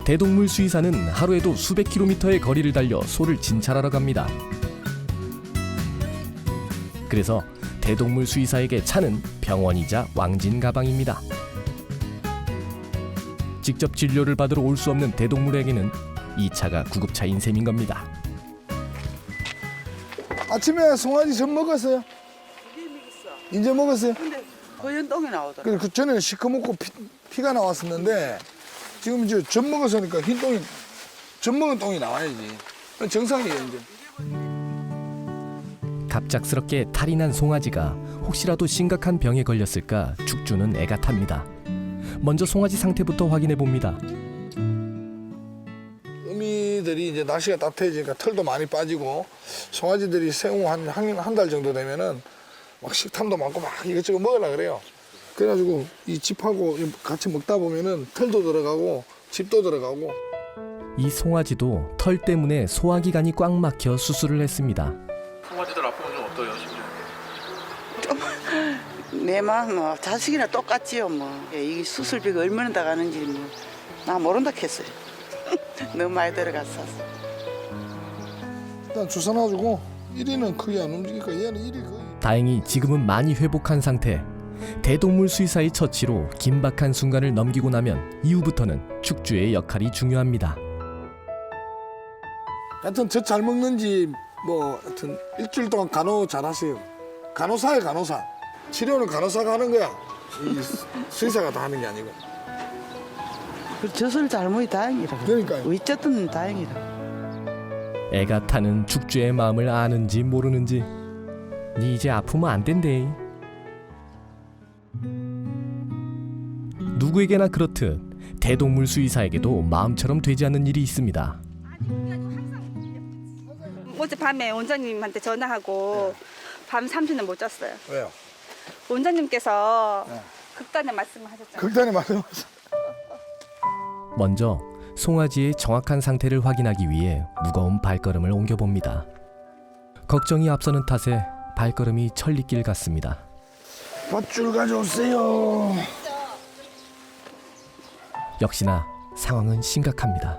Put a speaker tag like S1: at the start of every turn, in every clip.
S1: 대동물 수의사는 하루에도 수백 킬로미터의 거리를 달려 소를 진찰하러 갑니다. 그래서 대동물 수의사에게 차는 병원이자 왕진 가방입니다. 직접 진료를 받으러 올 수 없는 대동물에게는 이 차가 구급차인 셈인 겁니다.
S2: 아침에 송아지 젖 먹었어요? 이제 먹었어요?
S3: 근데 허연 똥이 나오더라.
S2: 그래, 그 전에는 시커멓고 피가 나왔었는데 지금 이제 젖 먹었으니까 흰 똥이, 젖 먹은 똥이 나와야지. 정상이에요 이제.
S1: 갑작스럽게 탈이 난 송아지가 혹시라도 심각한 병에 걸렸을까 축주는 애가 탑니다. 먼저 송아지 상태부터 확인해 봅니다.
S2: 어미들이 이제 날씨가 따뜻해지니까 털도 많이 빠지고 송아지들이 생후 한 달 정도 되면은 막 식탐도 많고 막 이것저것 먹으려고 그래요. 그래가지고 이 짚하고 같이 먹다 보면은 털도 들어가고 짚도 들어가고.
S1: 이 송아지도 털 때문에 소화기관이 꽉 막혀 수술을 했습니다.
S4: 송아지들 아프면 좀 어때요? 심정이?
S3: 내 마음 뭐 자식이나 똑같지요 뭐. 이 수술비가 얼마나 다 가는지 뭐 나 모른다 했어요. 너무 많이 들어갔어.
S2: 일단 주사 놔주고 1위는 크게 안 움직이니까 얘는 1위 거의.
S1: 다행히 지금은 많이 회복한 상태. 대동물 수의사의 처치로 긴박한 순간을 넘기고 나면 이후부터는 축주의 역할이 중요합니다.
S2: 하여튼 젖 잘 먹는지 뭐 하여튼 일주일 동안 간호 잘 하세요. 간호사예요, 간호사. 치료는 간호사가 하는 거야. 이 수의사가 다 하는 게 아니고.
S3: 그 젖을 잘 먹이 다행이라.
S2: 그러니까요.
S3: 어쨌든 다행이라.
S1: 애가 타는 축주의 마음을 아는지 모르는지 니 이제 아프면 안 된대. 누구에게나 그렇듯 대동물 수의사에게도 마음처럼 되지 않는 일이 있습니다.
S5: 어젯밤에 원장님한테 전화하고 밤 3시는 못 잤어요.
S2: 왜요?
S5: 원장님께서 극단의 말씀을 하셨잖아요.
S2: 극단의 말씀하세요.
S1: 먼저 송아지의 정확한 상태를 확인하기 위해 무거운 발걸음을 옮겨봅니다. 걱정이 앞서는 탓에 발걸음이 천리길 같습니다.
S2: 밧줄 가져오세요.
S1: 역시나 상황은 심각합니다.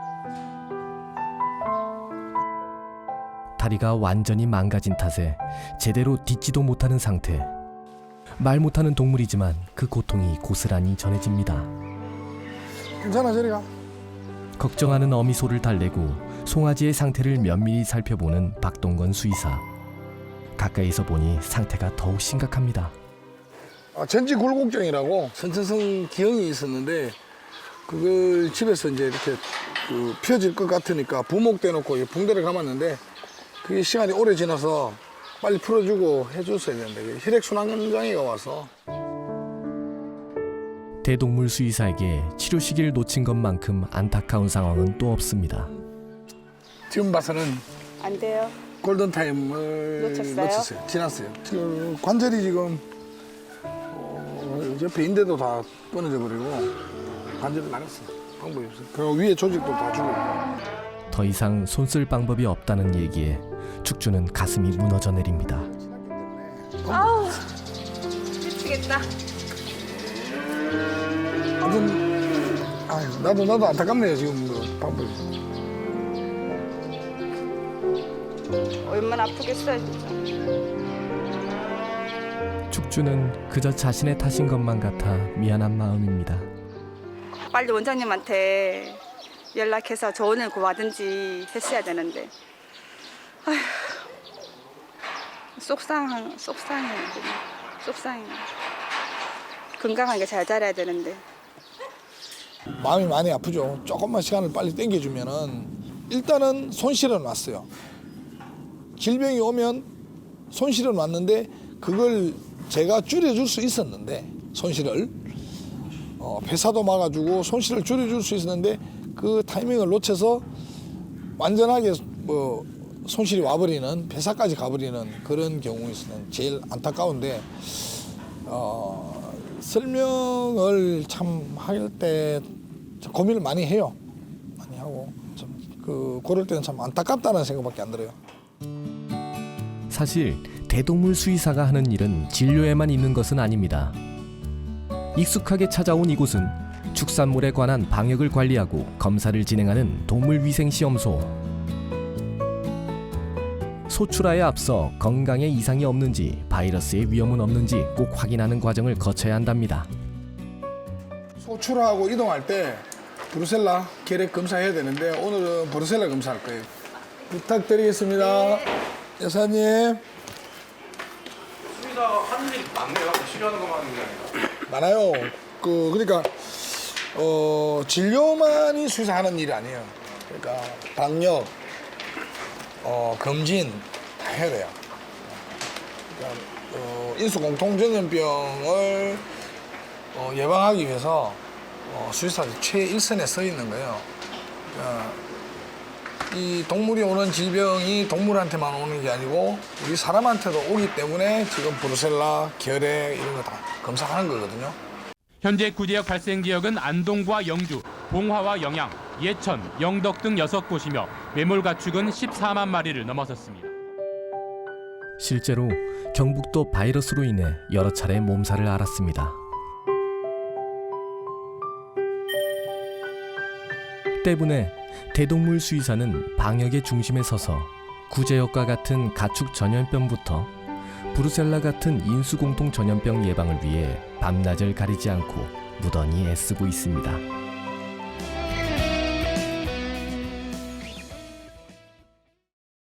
S1: 다리가 완전히 망가진 탓에 제대로 딛지도 못하는 상태. 말 못하는 동물이지만 그 고통이 고스란히 전해집니다.
S2: 괜찮아, 저리 가.
S1: 걱정하는 어미소를 달래고 송아지의 상태를 면밀히 살펴보는 박동건 수의사. 가까이서 보니 상태가 더욱 심각합니다.
S2: 전지 굴곡증이라고 선천성 기형이 있었는데 그걸 집에서 이제 이렇게 펴질 것 같으니까 부목대 놓고 붕대를 감았는데 그게 시간이 오래 지나서 빨리 풀어주고 해줬어야 되는데 혈액순환장애가 와서.
S1: 대동물 수의사에게 치료 시기를 놓친 것만큼 안타까운 상황은 또 없습니다.
S2: 지금 봐서는
S5: 안 돼요.
S2: 골든타임을
S5: 놓쳤어요?
S2: 지났어요. 그 관절이 지금 옆에 인대도 다 끊어져 버리고 관절이 나갔어. 방법이 없어요. 그리고 위에 조직도 다 죽고.
S1: 더 이상 손쓸 방법이 없다는 얘기에 축주는 가슴이 무너져 내립니다.
S5: 아우 미치겠다.
S2: 아무튼 나도 안타깝네요 지금 그 방법이.
S5: 얼마나 아프겠어요 진짜.
S1: 축주는 그저 자신의 탓인 것만 같아 미안한 마음입니다.
S5: 빨리 원장님한테 연락해서 조언을 구하든지 했어야 되는데. 아휴, 속상해. 건강하게 잘 자라야 되는데.
S2: 마음이 많이 아프죠. 조금만 시간을 빨리 땡겨주면은 일단은 손실은 왔어요. 질병이 오면 손실은 왔는데 그걸 제가 줄여줄 수 있었는데 손실을 폐사도 막아주고 손실을 줄여줄 수 있었는데 그 타이밍을 놓쳐서 완전하게 손실이 와버리는 폐사까지 가버리는 그런 경우에서는 제일 안타까운데 설명을 참 할 때 고민을 많이 해요. 많이 하고 좀 그럴 때는 참 안타깝다는 생각밖에 안 들어요.
S1: 사실 대동물 수의사가 하는 일은 진료에만 있는 것은 아닙니다. 익숙하게 찾아온 이곳은 축산물에 관한 방역을 관리하고 검사를 진행하는 동물위생시험소. 소출하에 앞서 건강에 이상이 없는지, 바이러스의 위험은 없는지 꼭 확인하는 과정을 거쳐야 한답니다.
S2: 소출하고 이동할 때 브루셀라 결핵 검사해야 되는데 오늘은 브루셀라 검사할 거예요. 부탁드리겠습니다. 여사님.
S4: 수의사가 하는 일이 많네요. 치료하는 것만 하는 게 아니라.
S2: 많아요. 그러니까 진료만이 수의사 하는 일이 아니에요. 그러니까 방역, 검진 다 해야 돼요. 그러니까 인수공통전염병을 예방하기 위해서 수의사들이 최일선에 서 있는 거예요. 그러니까 이 동물이 오는 질병이 동물한테만 오는 게 아니고 우리 사람한테도 오기 때문에 지금 브루셀라, 결핵 이런 거 다 검사하는 거거든요.
S6: 현재 구제역 발생 지역은 안동과 영주, 봉화와 영양, 예천, 영덕 등 6곳이며 매몰 가축은 14만 마리를 넘어섰습니다.
S1: 실제로 경북도 바이러스로 인해 여러 차례 몸살을 앓았습니다. 때문에 대동물 수의사는 방역의 중심에 서서 구제역과 같은 가축 전염병부터 브루셀라 같은 인수공통 전염병 예방을 위해 밤낮을 가리지 않고 무던히 애쓰고 있습니다.